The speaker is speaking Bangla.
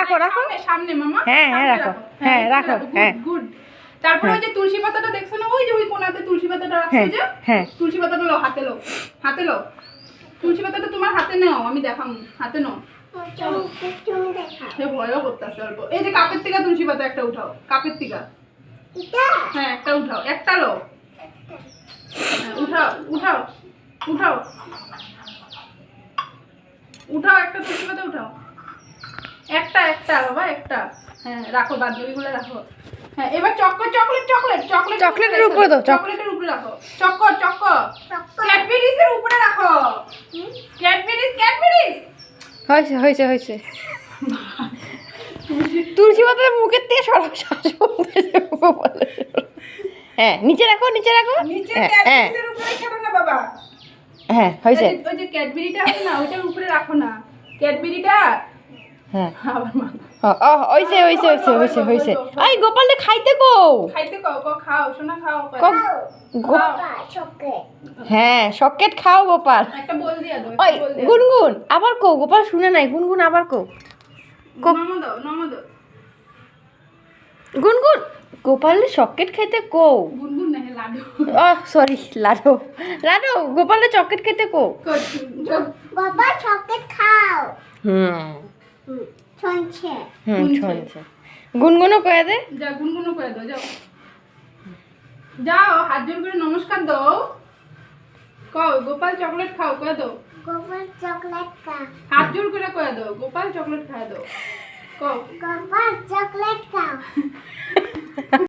রাখো রাখো সামনে মামা, হ্যাঁ হ্যাঁ রাখো, হ্যাঁ রাখো, হ্যাঁ গুড। তারপর ওই যে তুলসী পাতাটা দেখছো না, ওই যে ওই কোণাতে তুলসী পাতাটা রাখছো হ্যাঁ যে, হ্যাঁ তুলসী পাতাটা লো, হাতে লো, হাতে লো। তুলসী পাতাটা তোমার হাতে নাও, আমি দেখাম, হাতে নাও। সে ভয়ও করতেছে অল্প। এই যে কাপের থেকে তুলসী পাতা একটা উঠাও, কাপের থেকে। হ্যাঁ একটা উঠাও, একটা লো। হ্যাঁ, উঠাও উঠাও উঠাও উঠাও, একটা তুলসী পাতা উঠাও, একটা একটা বাবা একটা। হ্যাঁ রাখো, বাদ বাকিগুলো রাখো। হ্যাঁ এবার চক্কর, চকলেট চকলেট চকলেট চকলেটের উপরে দাও, চকলেটের উপরে রাখো, চক্কর চক্কর ক্যাডবেরিজের উপরে রাখো, ক্যাডবেরিজ ক্যাডবেরিজ। হয়েছে হয়েছে হয়েছে। তুলসী পাতার মুখের থেকে সরাস হ্যাঁ নিচে রাখো, নিচে রাখো, নিচে হ্যাঁ হ্যাঁ ক্যাডবেরিজের উপরে খেলো না বাবা। হ্যাঁ হয়েছে। ওই যে ক্যাডবেরিটা আছে না, ওইটার উপরে রাখো না, ক্যাডবেরিটা। হ্যাঁ আবার মা হয়েছে হয়েছে হয়েছে হয়েছে হয়েছে। এই গোপালটা খাইতে কো, খাইতে কও, কও খাও শোনা, খাও হ্যাঁ সকেট খাও গোপাল। একটা বল দিয়া দাও, ওই একটা বল দিয়া দাও। গুনগুন আবার কো, গোপাল শুনে নাই, গুনগুন আবার কো। নমো দাও, নমো দাও। গুনগুন গোপালের সকেট খাইতে কো। গুনগুন না, লাডু। সরি লাডো, লাডো গোপালের চকেট খেতে কো। বাবা চকলেট খাও। হুম শুনছে। শুনছে। গুনগুনও কয়ে দে। যা গুনগুনও করে দাও, যাও যাও, হাত জোর করে নমস্কার দাও। কও গোপাল চকলেট খাও, কয়ে দাও। গোপাল চকলেট খাও। হাত জোর করে কয়ে দাও, গোপাল চকলেট খায় দাও। কও গোপাল চকলেট খাও।